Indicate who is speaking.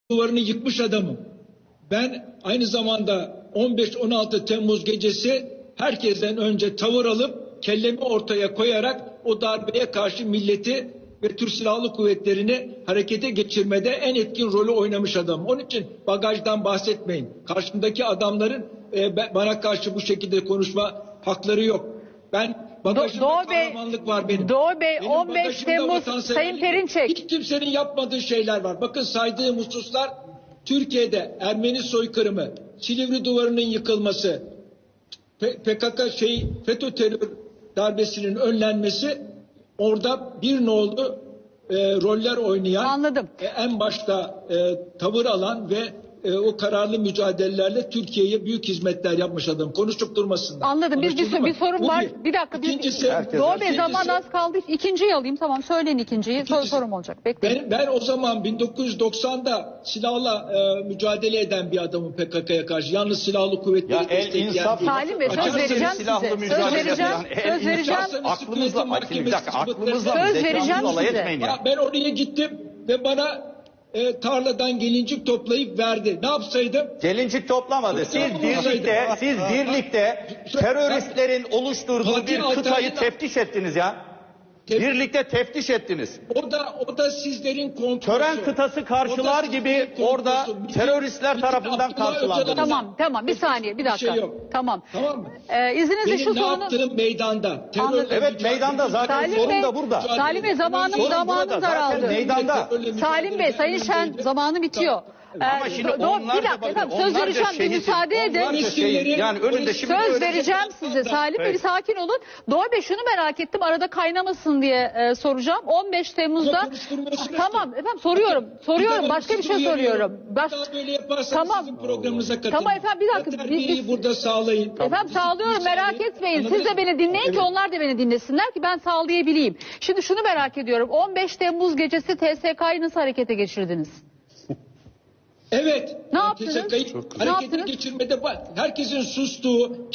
Speaker 1: duvarını yıkmış adamım. Ben aynı zamanda 15-16 Temmuz gecesi herkesten önce tavır alıp kellemi ortaya koyarak o darbeye karşı milleti ve Türk Silahlı Kuvvetleri'ni harekete geçirmede en etkin rolü oynamış adam. Onun için bagajdan bahsetmeyin. Karşımdaki adamların bana karşı bu şekilde konuşma hakları yok. Ben bagajımda kahramanlık var benim.
Speaker 2: Doğu Bey,
Speaker 1: Benim
Speaker 2: 15 Temmuz Sayın Perinçek.
Speaker 1: Hiç kimsenin yapmadığı şeyler var. Bakın saydığım hususlar Türkiye'de Ermeni soykırımı, Silivri Duvarı'nın yıkılması, PKK FETÖ terör darbesinin önlenmesi, orada bir nolu roller oynayan,
Speaker 2: Anladım.
Speaker 1: En başta tavır alan ve o kararlı mücadelelerle Türkiye'ye büyük hizmetler yapmış adam. Konuşup durmasınlar.
Speaker 2: Anladım. Bir sorum var. Bir dakika.
Speaker 1: İkincisi,
Speaker 2: Doğu Bey zaman az kaldı. İkinciyi alayım. Tamam, söyleyin ikinciyi. Sorum olacak. Bekleyin.
Speaker 1: Ben o zaman 1990'da silahla mücadele eden bir adamım PKK'ya karşı. Yalnız silahlı kuvvetleri destekleyen değil.
Speaker 2: Salim Bey, söz vereceğim size. Söz vereceğim.
Speaker 3: Aklımızla
Speaker 2: Söz vereceğim size.
Speaker 1: Ben oraya gittim ve bana tarladan gelincik toplayıp verdi. Ne yapsaydım?
Speaker 3: Gelincik toplamadı. Siz birlikte teröristlerin oluşturduğu bir kıtayı teftiş ettiniz ya. Birlikte teftiş ettiniz.
Speaker 1: O da sizlerin kontrolü.
Speaker 3: Tören kıtası karşılar gibi orada teröristler tarafından karşılandı.
Speaker 2: Tamam. Bir saniye, bir dakika. Tamam.
Speaker 1: Tamam mı?
Speaker 2: İzninizle şu
Speaker 1: ne
Speaker 2: sorunu...
Speaker 1: yaptığım meydanda.
Speaker 3: Evet, meydanda zaten sorun da burada.
Speaker 2: Salim Bey, zamanım daraldı.
Speaker 3: Meydanda.
Speaker 2: Salim Bey, Sayın Şen, zamanı bitiyor.
Speaker 3: Ama şimdi onlar da bakın,
Speaker 2: söz vereceğim, bir müsaade edin.
Speaker 3: Yani önünde şimdi
Speaker 2: söz vereceğim size. Salim Bey, bir sakin olun. Doğu Bey, şunu merak ettim, arada kaynamasın diye soracağım. 15 Temmuz'da tamam efendim, soruyorum başka bir şey soruyorum.
Speaker 1: Böyle yaparsanız sizin programınıza katılın.
Speaker 2: Tamam efendim, bir dakika.
Speaker 1: Terbiyeyi burada sağlayın.
Speaker 2: Efendim sağlıyorum, merak etmeyin. Siz de beni dinleyin ki onlar da beni dinlesinler ki ben sağlayabileyim. Şimdi şunu merak ediyorum. 15 Temmuz gecesi TSK'yı nasıl harekete geçirdiniz?
Speaker 1: Evet.
Speaker 2: Ne yaptınız?
Speaker 1: Harekete geçirmede herkesin sustuğu,